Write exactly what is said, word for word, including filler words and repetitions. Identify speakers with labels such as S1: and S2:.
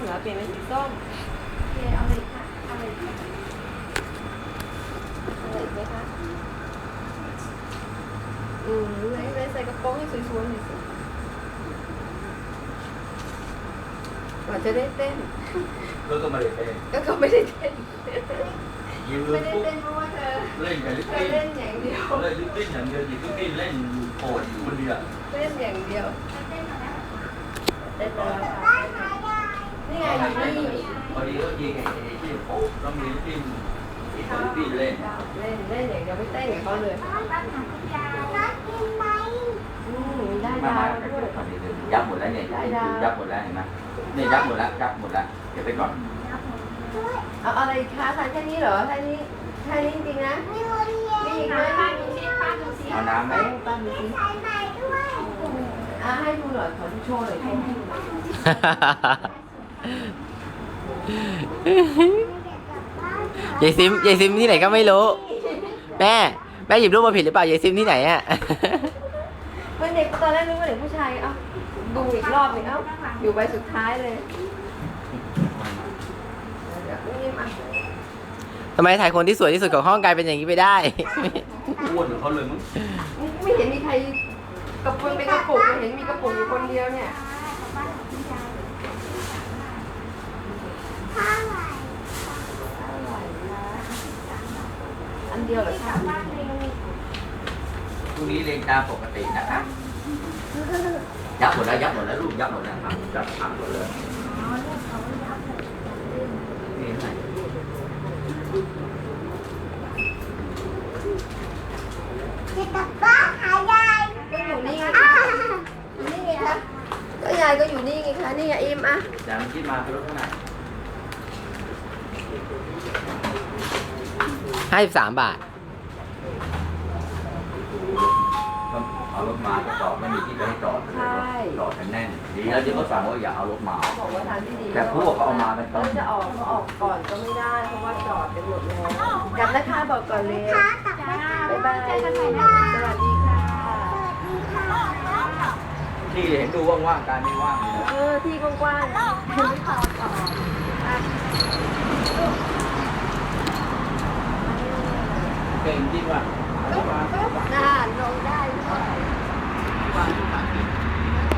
S1: เหรอเปลี่ยนเป็นสีส้มโอเคเอาเลยค่ะเอาเลยค่ะอะไรอีกไหมคะอืมไหนไหนใส่กระโปรงให้สวยๆหน่อยสิก่อนจะได้เต้น
S2: ก็ก็ไม่ได้เต้น
S1: ก็ก็ไม่ได้เต้น
S2: ยืน
S1: ไม่ได้
S2: ปุ๊บ
S1: เต้นเพราะว่าเธอ
S2: เล่นกับลิป
S1: เธอ
S2: ปิ้น
S1: เล่นอย่างเดียว
S2: เล่นลิปปิ้นอย่างเดียวลิปปิ้นเล่นโผล่อยู่คนเดียว
S1: เล่นอย่างเดียวเต้นแล้วนี่ไงอยู่นี่
S2: พอดีก็ยิงไอ้ที่ปุ๊บแล้วมีลิปปิ้นอีกคนลิปปิ้นเล่น
S1: เล่นเล่นอย่างเดียวไม่เต้นกับเขาเลยอืมได้
S2: มา
S1: ดาว
S2: มา
S1: ด้วย
S2: พอดีเลยยับหมดแล้วเนี่ยยับหมดแล้วเห็นไหมเนี่ยยับหมดแล้วยับหมดแล้วเก็บไปก่อน
S1: เอาอะไรคะทานแค่นี้เหรอแค่นี้แค่นี้จริงๆนะมีอีกไหมป้าดูสิป้าดูสิ
S2: เอาน้ำไหม
S1: ป้าดูสิอ่ะให้ดูหน่อยขอดูโชว์หน่อยโชว์ให้ดูหน่อย
S3: ยายซิมยายซิมที่ไหนก็ไม่รู้ แม่แม่หยิบรูปมาผิดหรือเปล่ายายซิมที่ไหนอ่ะ
S1: เมื่อเด็กตอนแรกนึกว่าเด็กผู้ชายเอ้าดูอีกรอบหนึงเอ้าอยู่ใบสุดท้ายเลยเดี๋ยวนี่มา
S3: ทำไมถ่ายคนที่สวยที่สุดของห้องกลายเป็นอย่างนี้ไปได้
S2: อ้วนเหมือนเขาเลยมั้ง
S1: ไม่เห็นมีใครกระปุกเป็นกระปุกไม่เห็นมีกระปุกอยู่คนเดียวเนี่ยอันเดียวเหรอคะ
S2: พรุ่งนี้เรียนตามปกตินะคะยับหมดแล้วยับหมดแล้วลูกยับหมดแล้วครับยับพังหมดเลยนี่ไง
S1: ก็อยู่นี่ไงอยู่นี่ไงคะก็ยายก็อยู่นี่ไงคะนี่ไงอิมอ่ะ
S2: จานที่มาเป็นรถเท่าไหร่
S3: ห้าสิบสามบาท
S2: ก็เอารถมาจะจอดไม่มีที่จะให้จอดจอดกันแน่นดีแล้วที่เขาสั่งว่าอย่าเอารถมา
S1: บอกว่าทางที่ดี
S2: แต่พวกเขาเอามาเป็นต้
S1: เขา
S2: น
S1: จะออกก็ออกก่อนก็ไม่ได้เพราะว่าจอดกันหมดแล้วกลับนะคะบอกก่อนเลยบ๊ายบายสวัสดีค่ะ
S2: ที่เห็นดูว่างๆการไม่ว่างเลย
S1: เออที่กว้างๆ